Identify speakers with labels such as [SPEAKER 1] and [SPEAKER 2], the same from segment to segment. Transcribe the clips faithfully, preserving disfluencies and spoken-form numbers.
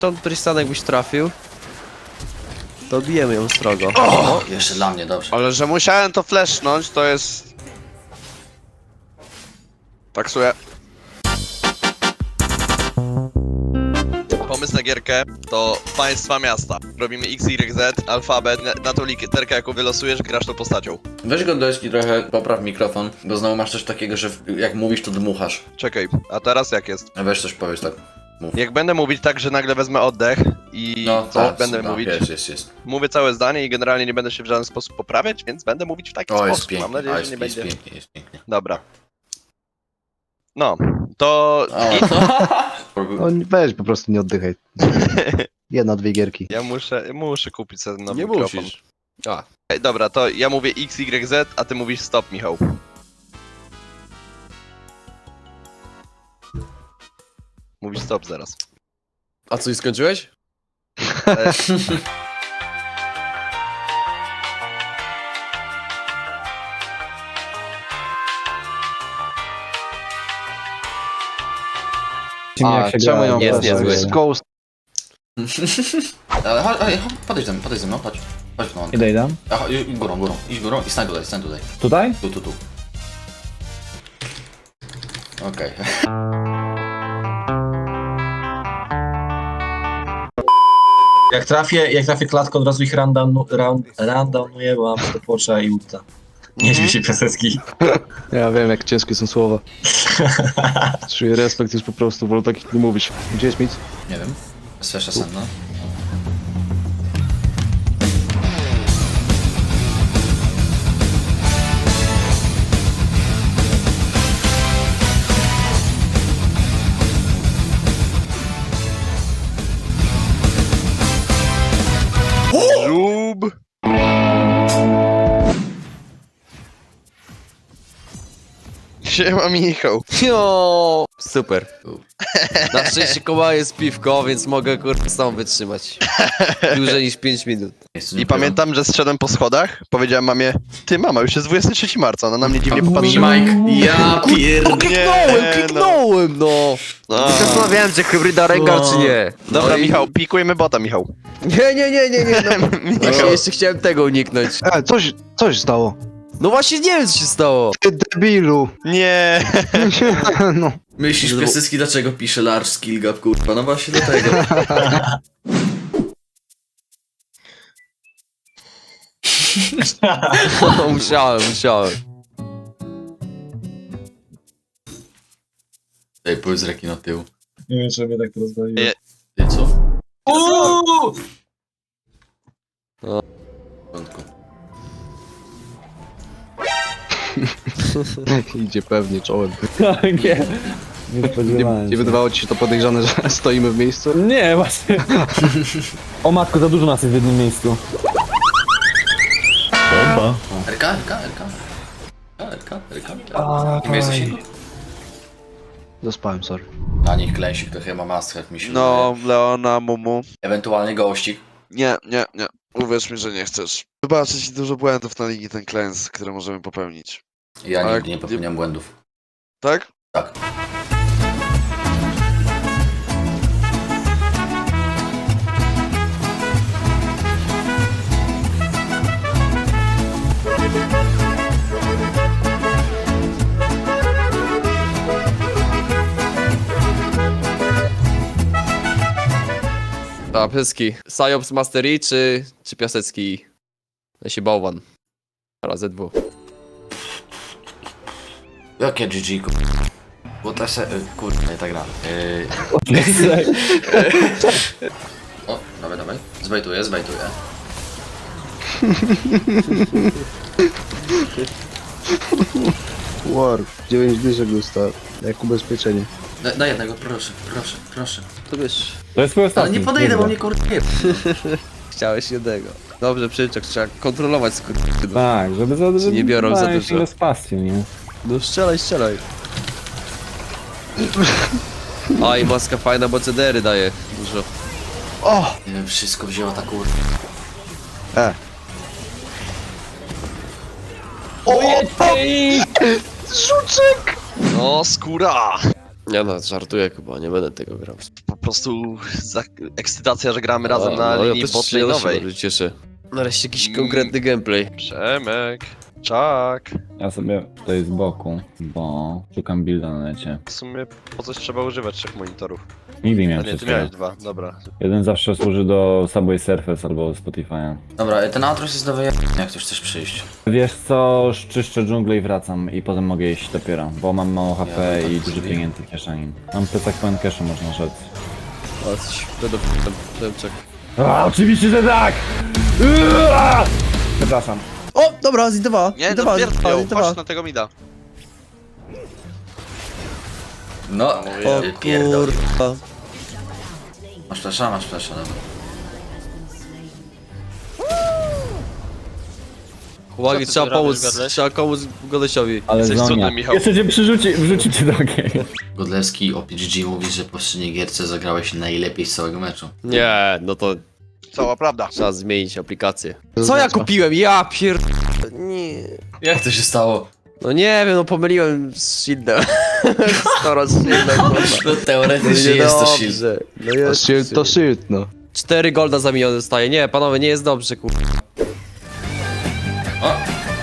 [SPEAKER 1] Tą Tristana jakbyś trafił, to bijemy ją strogo.
[SPEAKER 2] O, jeszcze dla mnie, dobrze.
[SPEAKER 3] Ale że musiałem to flashnąć, to jest... Taksuję. Pomysł na gierkę to państwa miasta. Robimy X, Y, Z, alfabet, na, na tą literkę jaką wylosujesz, grasz tą postacią.
[SPEAKER 2] Weź go do deski trochę, popraw mikrofon, bo znowu masz coś takiego, że w- jak mówisz, to dmuchasz.
[SPEAKER 3] Czekaj, a teraz jak jest?
[SPEAKER 2] A weź coś powiedz tak. Mów.
[SPEAKER 3] Jak będę mówić tak, że nagle wezmę oddech i
[SPEAKER 2] No
[SPEAKER 3] coś
[SPEAKER 2] tak,
[SPEAKER 3] będę
[SPEAKER 2] no,
[SPEAKER 3] mówić,
[SPEAKER 2] jest, jest, jest.
[SPEAKER 3] mówię całe zdanie i generalnie nie będę się w żaden sposób poprawiać, więc będę mówić w taki
[SPEAKER 2] O, jest
[SPEAKER 3] sposób.
[SPEAKER 2] pięknie,
[SPEAKER 3] Mam nadzieję,
[SPEAKER 2] o,
[SPEAKER 3] że
[SPEAKER 2] jest,
[SPEAKER 3] nie
[SPEAKER 2] jest
[SPEAKER 3] będzie...
[SPEAKER 2] pięknie, jest pięknie.
[SPEAKER 3] Dobra. No, to...
[SPEAKER 2] O.
[SPEAKER 4] No weź po prostu nie oddychaj. Jedna, dwie gierki.
[SPEAKER 3] Ja muszę, muszę kupić sobie nowy
[SPEAKER 1] Nie
[SPEAKER 3] mikrofon.
[SPEAKER 1] musisz. A,
[SPEAKER 3] Ej, dobra, to ja mówię X, Y, Z, a ty mówisz stop, Michał. Mówisz stop zaraz.
[SPEAKER 1] a co, i skończyłeś?
[SPEAKER 3] E,
[SPEAKER 4] A, czemu ją
[SPEAKER 1] jest
[SPEAKER 4] weszłeś?
[SPEAKER 1] niezły.
[SPEAKER 4] Z Ghost.
[SPEAKER 2] Ale chodź, chodź, chodź, podejdź ze mną, podejdź ze mną, chodź. Chodź no.
[SPEAKER 5] Idę, idę.
[SPEAKER 2] A, chodź, i- górą, górą, idź górą i stań tutaj, stań tutaj.
[SPEAKER 5] Tutaj?
[SPEAKER 2] Tu, tu, tu. Okej.
[SPEAKER 6] Jak trafię, jak trafię klatką, od razu ich rundown, round, rundownuję, bo mam stopwatcha i ulta. Nie śmiej się Piasecki.
[SPEAKER 4] Ja wiem, jak ciężkie są słowa. Czuję respekt już po prostu, wolę takich nie mówić. Gdzie jest Mitz?
[SPEAKER 2] Nie wiem. Sfesza senna.
[SPEAKER 3] żub! Siema, Michał.
[SPEAKER 1] Jo, super. Na szczęście koła jest piwko, więc mogę kurde sam wytrzymać. Dłużej niż pięć minut.
[SPEAKER 2] Miejscu nie
[SPEAKER 3] I
[SPEAKER 2] ukrywam.
[SPEAKER 3] pamiętam, że zszedłem po schodach, powiedziałem mamie, ty mama, już jest dwudziestego trzeciego marca, ona na mnie dziwnie popatrzyła.
[SPEAKER 2] Mike, ja pierd...
[SPEAKER 1] Kliknąłem,
[SPEAKER 3] no.
[SPEAKER 1] kliknąłem, no!
[SPEAKER 3] No.
[SPEAKER 1] Zastanawiałem się, hybryda ręka,
[SPEAKER 2] No.
[SPEAKER 1] czy nie.
[SPEAKER 3] Dobra,
[SPEAKER 1] No i-
[SPEAKER 3] Michał, pikujemy bota, Michał.
[SPEAKER 1] Nie, nie, nie, nie, nie, no. Właśnie
[SPEAKER 3] Michał.
[SPEAKER 1] jeszcze chciałem tego uniknąć.
[SPEAKER 4] E, coś, coś stało.
[SPEAKER 1] No właśnie nie wiem, co się stało.
[SPEAKER 4] Ty debilu.
[SPEAKER 3] Nie.
[SPEAKER 4] No.
[SPEAKER 2] Myślisz, Piasecki, dlaczego pisze large skill gap, kurwa? No właśnie do tego.
[SPEAKER 1] No, musiałem, musiałem.
[SPEAKER 2] Ej, powiedz reki na tył.
[SPEAKER 6] Nie wiem, czy mnie tak to rozbawiło.
[SPEAKER 3] Nie.
[SPEAKER 2] Ty co?
[SPEAKER 6] Uuu!
[SPEAKER 2] W porządku.
[SPEAKER 4] Idzie pewnie czołem.
[SPEAKER 5] nie, nie
[SPEAKER 4] Nie,
[SPEAKER 5] spodziewałem
[SPEAKER 4] nie
[SPEAKER 5] się.
[SPEAKER 4] wydawało ci się to podejrzane, że stoimy w miejscu?
[SPEAKER 5] Nie, właśnie. O matko, za dużo nas jest w jednym miejscu. Oba.
[SPEAKER 2] R K, R K, R K. R K, R K, R K. Nie jesteś inny?
[SPEAKER 4] Zaspałem, sorry.
[SPEAKER 2] Na nich klęsik to chyba must have, mi się
[SPEAKER 3] No,
[SPEAKER 2] wydaje.
[SPEAKER 3] Leona, Mumu.
[SPEAKER 2] Ewentualnie gościk.
[SPEAKER 3] Nie, nie, nie. Uwierz mi, że nie chcesz. Wybaczę ci dużo błędów na ligi ten klęs, które możemy popełnić.
[SPEAKER 2] Ja
[SPEAKER 3] Ale
[SPEAKER 2] nigdy nie
[SPEAKER 3] nie-
[SPEAKER 2] popełniam błędów.
[SPEAKER 3] Tak?
[SPEAKER 2] Tak.
[SPEAKER 1] A, Piasecki. Sajops Mastery czy, czy Piasecki? Ja się bałwan. Razy dwóch.
[SPEAKER 2] Jakie G G, kurwa. Bo ta se... y, Kurwa, nie tak gra. Yy... O, dawaj, dawaj. Zbajtuję, zbajtuję.
[SPEAKER 4] War. dziewięć dyszek dostał. Jak ubezpieczenie.
[SPEAKER 2] Da, daj jednego, proszę, proszę, proszę.
[SPEAKER 1] To wiesz,
[SPEAKER 5] To jest twój ostatni.
[SPEAKER 2] Ale nie podejdę, bo mnie kurwa nie...
[SPEAKER 1] chciałeś jednego. Dobrze, przyczek, trzeba kontrolować skór.
[SPEAKER 5] Tak, żeby za żeby
[SPEAKER 1] nie biorą za
[SPEAKER 5] dałem
[SPEAKER 1] dużo.
[SPEAKER 5] się spację, nie?
[SPEAKER 1] No strzelaj, strzelaj. A i maska fajna, bo C D R y daje dużo.
[SPEAKER 4] O!
[SPEAKER 2] Nie wiem, wszystko wzięła ta kurwa.
[SPEAKER 4] E. Żuczek!
[SPEAKER 3] No, skóra!
[SPEAKER 1] Nie no, żartuję chyba, nie będę tego grał.
[SPEAKER 3] prostu za... ekscytacja, że gramy razem
[SPEAKER 1] A,
[SPEAKER 3] na
[SPEAKER 1] no, ja
[SPEAKER 3] linii
[SPEAKER 1] też się- ja też się
[SPEAKER 3] botlane'owej.
[SPEAKER 1] bardzo cieszę. Nareszcie jakiś
[SPEAKER 3] Mm.
[SPEAKER 1] konkretny gameplay.
[SPEAKER 3] Przemek, czak.
[SPEAKER 5] Ja sobie tutaj z boku, bo szukam builda na necie.
[SPEAKER 3] W sumie po coś trzeba używać trzech monitorów.
[SPEAKER 5] Nigdy nie
[SPEAKER 3] A
[SPEAKER 5] miałem
[SPEAKER 3] nie, ty
[SPEAKER 5] wszystkiego.
[SPEAKER 3] miałeś dwa, dobra.
[SPEAKER 5] Jeden zawsze służy do Subway Surface albo Spotify'a.
[SPEAKER 2] Dobra, ten outros jest do wyjebania, jak ktoś chcesz przyjść.
[SPEAKER 5] Wiesz co, czyszczę dżunglę i wracam i potem mogę iść dopiero, bo mam mało H P
[SPEAKER 2] Ja
[SPEAKER 5] i
[SPEAKER 2] tak
[SPEAKER 5] dużo
[SPEAKER 2] zrobię.
[SPEAKER 5] pieniędzy w kieszeni. Mam plecak pełen cashu, można rzec.
[SPEAKER 1] O, jesteś pedofilem, Przemczak.
[SPEAKER 5] A, oczywiście, że tak! Uaa! Przepraszam.
[SPEAKER 1] O, dobra, zidowała.
[SPEAKER 3] Nie, no
[SPEAKER 1] zidowała,
[SPEAKER 3] pierdol,
[SPEAKER 1] zidowała.
[SPEAKER 3] chodź na tego mida.
[SPEAKER 2] No,
[SPEAKER 1] O
[SPEAKER 2] e, pierdol.
[SPEAKER 1] kurwa.
[SPEAKER 2] Masz flasha, masz flasha, dobra.
[SPEAKER 1] Uwagi,
[SPEAKER 3] ty
[SPEAKER 1] trzeba
[SPEAKER 3] tu robisz,
[SPEAKER 1] pomóc,
[SPEAKER 3] Gadleś?
[SPEAKER 1] trzeba pomóc Golesiowi.
[SPEAKER 5] Ale
[SPEAKER 3] Jesteś
[SPEAKER 5] Zonia.
[SPEAKER 3] cudny, Michał.
[SPEAKER 5] Jeszcze cię przyrzuci, wrzuci cię do ogień.
[SPEAKER 2] Godlewski o P G G mówi, że po poprzedniej gierce zagrałeś najlepiej z całego meczu.
[SPEAKER 1] Nie, no to
[SPEAKER 3] Cała prawda.
[SPEAKER 1] trzeba zmienić aplikację. Co ja kupiłem? Ja pier... Nie.
[SPEAKER 2] Jak to się stało?
[SPEAKER 1] No nie wiem, no pomyliłem z shieldem. Skoro z shieldem, kurwa.
[SPEAKER 2] No teoretycznie jest to shield.
[SPEAKER 1] Dobrze. No
[SPEAKER 4] To
[SPEAKER 1] jest
[SPEAKER 4] shield, to shield, no.
[SPEAKER 1] Cztery golda za milion dostaje. Nie, panowie, nie jest dobrze, kurwa.
[SPEAKER 2] O!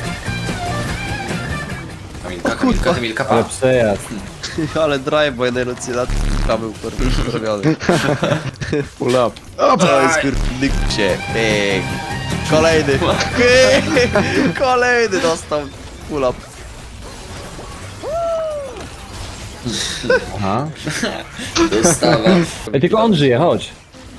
[SPEAKER 2] Kamilka, Kamilka, Kamilka,
[SPEAKER 5] Ale
[SPEAKER 2] pa.
[SPEAKER 5] przejazd.
[SPEAKER 1] Ale drive, bo jeden lat był, kurwa, zrobiony.
[SPEAKER 4] Pull up.
[SPEAKER 1] To jest, kurwa, nykcie. Pyk. Kolejny. Kolejny dostał. Pull up.
[SPEAKER 5] Aha.
[SPEAKER 2] Dostawa.
[SPEAKER 5] Ej, tylko on żyje, chodź.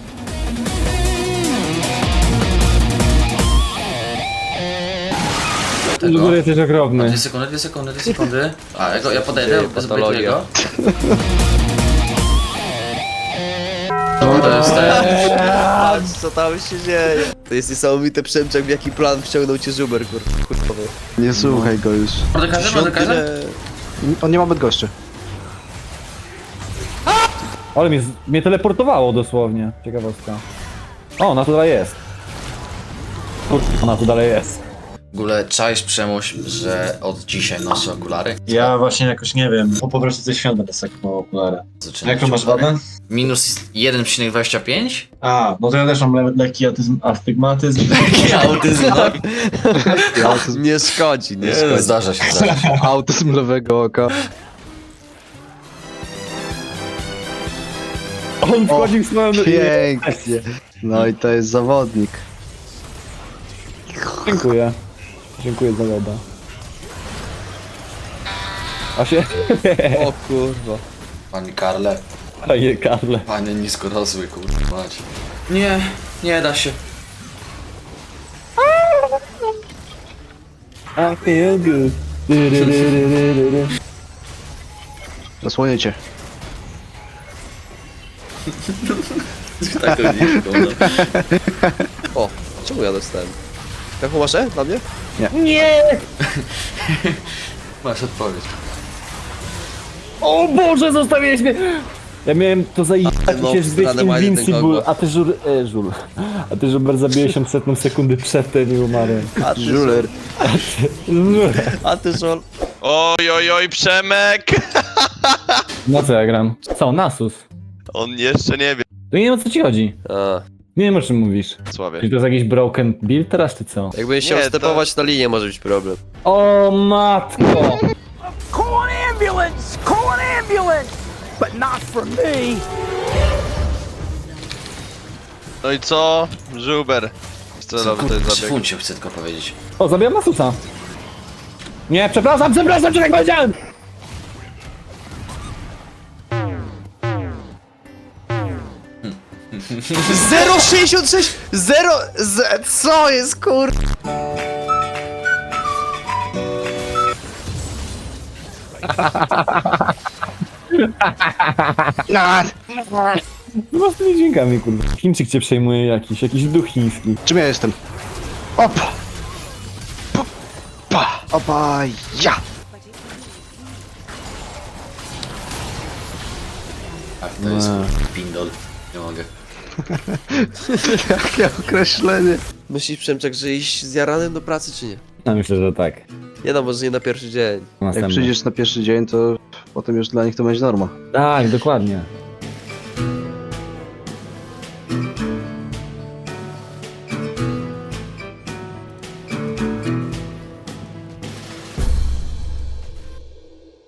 [SPEAKER 5] W ogóle jesteś okropny.
[SPEAKER 2] Dwie sekundy, dwie sekundy, dwie sekundy. A, ja, go, ja podejdę,
[SPEAKER 1] Ty,
[SPEAKER 2] zbejtuję
[SPEAKER 1] patologia.
[SPEAKER 2] go. No to jest ten.
[SPEAKER 1] Patrz, co tam się dzieje. To jest niesamowite, Przemczak, w jaki plan wciągnął cię Żuber, kurwa. kurwa.
[SPEAKER 4] Nie słuchaj go już.
[SPEAKER 2] Mordekarze, mordekarze?
[SPEAKER 1] Dziesiąty
[SPEAKER 4] On nie ma Bydgoszczy.
[SPEAKER 5] Ale mnie, z- mnie teleportowało dosłownie. Ciekawostka. O, ona tu dalej jest. Kur- Ona tu dalej jest.
[SPEAKER 2] W ogóle czaisz Przemuś, że od dzisiaj noszę okulary?
[SPEAKER 6] Ja właśnie jakoś nie wiem, bo po prostu ze świąt będę sekwał okulary.
[SPEAKER 2] Zaczynam
[SPEAKER 6] Jaką
[SPEAKER 2] mieć
[SPEAKER 6] masz
[SPEAKER 2] okulary.
[SPEAKER 6] wadę?
[SPEAKER 2] Minus jeden przecinek dwadzieścia pięć?
[SPEAKER 6] A, no to ja też mam le lekki autyzm, astygmatyzm.
[SPEAKER 2] Autyzm, tak?
[SPEAKER 1] Autyzm nie szkodzi, nie
[SPEAKER 2] Nie,
[SPEAKER 1] szkodzi.
[SPEAKER 2] zdarza się, zdarza się.
[SPEAKER 4] Autyzm lewego oka.
[SPEAKER 5] On wchodził w swoją...
[SPEAKER 4] Pięknie. No i to jest zawodnik.
[SPEAKER 5] Dziękuję. Dziękuję za loda. A się...
[SPEAKER 1] O kurwa.
[SPEAKER 2] Panie Karle,
[SPEAKER 5] Panie Karle.
[SPEAKER 2] panie niskorosły, kurwa mać. Nie, nie da się.
[SPEAKER 5] I feel good. Du, du, du, du, du, du.
[SPEAKER 4] Zasłonię cię.
[SPEAKER 2] Tak to nie wygląda.
[SPEAKER 1] O, czemu ja dostałem? Jaką masz E dla mnie?
[SPEAKER 5] Nie!
[SPEAKER 2] Masz odpowiedź.
[SPEAKER 5] O Boże, zostawiłeś mnie! Ja miałem to zajebać
[SPEAKER 1] No,
[SPEAKER 5] się zbyć
[SPEAKER 1] zdradę ma jeden
[SPEAKER 5] Invincible,
[SPEAKER 1] kogo.
[SPEAKER 5] a ty żur... E, żul. A ty żuber zabiłeś ją setną sekundy przedtem i umarłem.
[SPEAKER 1] A ty
[SPEAKER 4] Żuler.
[SPEAKER 5] Żul.
[SPEAKER 1] A ty żol.
[SPEAKER 3] Oj, oj, oj, Przemek!
[SPEAKER 5] Na co ja gram? Co, Nasus?
[SPEAKER 3] On jeszcze nie wie.
[SPEAKER 5] To nie wiem o co ci chodzi.
[SPEAKER 1] A,
[SPEAKER 5] Nie wiem o czym mówisz.
[SPEAKER 3] Sławie.
[SPEAKER 5] Czy to jest jakiś broken build teraz, czy co?
[SPEAKER 1] jakbym chciał
[SPEAKER 3] Nie, to-
[SPEAKER 1] stepować na linię, może być problem.
[SPEAKER 5] O matko!
[SPEAKER 7] Call an ambulance! Call an ambulance! But not for me!
[SPEAKER 3] No i co? Żuber. Celowy to jest
[SPEAKER 2] Przy
[SPEAKER 3] zabieg.
[SPEAKER 2] funcie chcę tylko powiedzieć.
[SPEAKER 5] O, zabijam Nasusa. Nie, przepraszam, przepraszam, czy tak powiedziałem!
[SPEAKER 1] zero sześćdziesiąt sześć! zero... Z, co jest kur...
[SPEAKER 5] No z tymi dźwiękami, kurwa. Chińczyk cię przejmuje jakiś, jakiś duch chiński.
[SPEAKER 4] Czym ja jestem? Opa! Pa! Pa! Opa! Ja!
[SPEAKER 2] Tak, to jest pindol. Nie mogę.
[SPEAKER 4] Jakie określenie.
[SPEAKER 1] Myślisz, Przemczak, że iść zjaranym do pracy, czy nie?
[SPEAKER 5] No myślę, że tak.
[SPEAKER 1] Nie no, może nie na pierwszy dzień.
[SPEAKER 4] Jak
[SPEAKER 5] Następny.
[SPEAKER 4] przyjdziesz na pierwszy dzień, to potem już dla nich to będzie norma.
[SPEAKER 5] Tak, dokładnie.